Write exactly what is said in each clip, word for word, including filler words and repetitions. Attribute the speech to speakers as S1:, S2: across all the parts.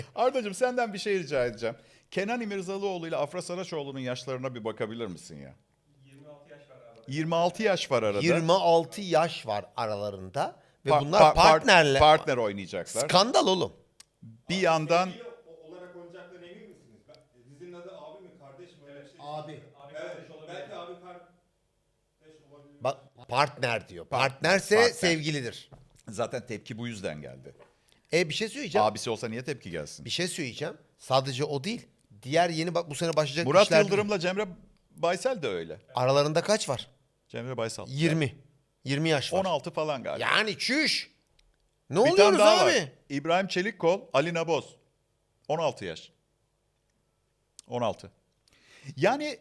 S1: Ardacığım senden bir şey rica edeceğim. Kenan İmirzalıoğlu ile Afra Saraçoğlu'nun yaşlarına bir bakabilir misin ya?
S2: yirmi altı yaş var arada.
S1: yirmi altı yaş var arada.
S3: yirmi altı yaş var aralarında ve
S1: Pa-
S3: bunlar
S1: pa- part-
S3: partnerle
S1: partner oynayacaklar.
S3: skandal oğlum.
S1: Bir yandan
S4: Sevgili o- olarak oynayacaklarına emin misiniz? Ben- Dizinin adı abi mi kardeş mi? Öyle bir şey.
S3: Abi.
S2: Abi
S4: Evet,
S2: kardeş olabilir.
S4: belki abi kardeş olabilir.
S3: Bak partner diyor. Partnerse
S1: partner.
S3: sevgilidir.
S1: zaten tepki bu yüzden geldi.
S3: E bir şey söyleyeceğim.
S1: Abisi olsa niye tepki gelsin?
S3: Bir şey söyleyeceğim. Sadece o değil. Diğer yeni bak bu sene başlayacak
S1: Murat
S3: işler
S1: Yıldırım'la Cemre Baysel de öyle.
S3: aralarında kaç var?
S1: Cemre Baysal.
S3: yirmi. yirmi yaş var.
S1: on altı falan galiba.
S3: Yani çüş. Ne
S1: Bir tane
S3: oluyoruz
S1: daha
S3: abi?
S1: var. İbrahim Çelikkol, Ali Naboz. on altı yaş. on altı. Yani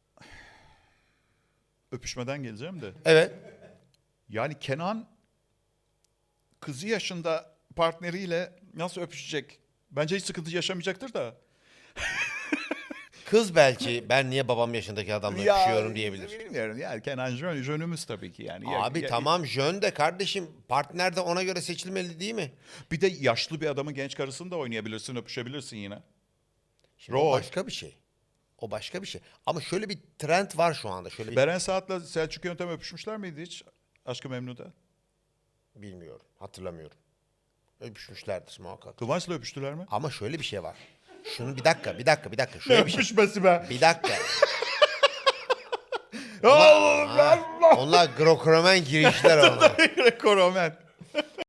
S1: öpüşmeden geleceğim de.
S3: Evet.
S1: Yani Kenan kızı yaşında partneriyle nasıl öpüşecek? Bence hiç sıkıntı yaşamayacaktır da.
S3: Kız belki ben niye babam yaşındaki adamla öpüşüyorum diyebilir.
S1: Bilmiyorum yani Kenan jön, jönümüz tabii ki yani. Ya-
S3: Abi
S1: ya-
S3: tamam jön de kardeşim partner de ona göre seçilmeli değil mi?
S1: Bir de yaşlı bir adamın genç karısını da oynayabilirsin, öpüşebilirsin yine.
S3: Şimdi o
S1: Rol.
S3: başka bir şey. O başka bir şey. Ama şöyle bir trend var şu anda. Şöyle bir...
S1: Beren Saat'la Selçuk Yöntem öpüşmüşler miydi hiç? Aşk-ı Memnu'da.
S3: Bilmiyorum. Hatırlamıyorum. Öpüşmüşlerdir muhakkak.
S1: Kıvanç'la öpüştüler mi?
S3: Ama şöyle bir şey var. Şunu bir dakika, bir dakika, bir dakika. Şöyle bir şey.
S1: Öpüşmesi be.
S3: Bir dakika.
S1: Oğlum
S3: Ha, onlar Grokromen girişler onlar.
S1: Koromen.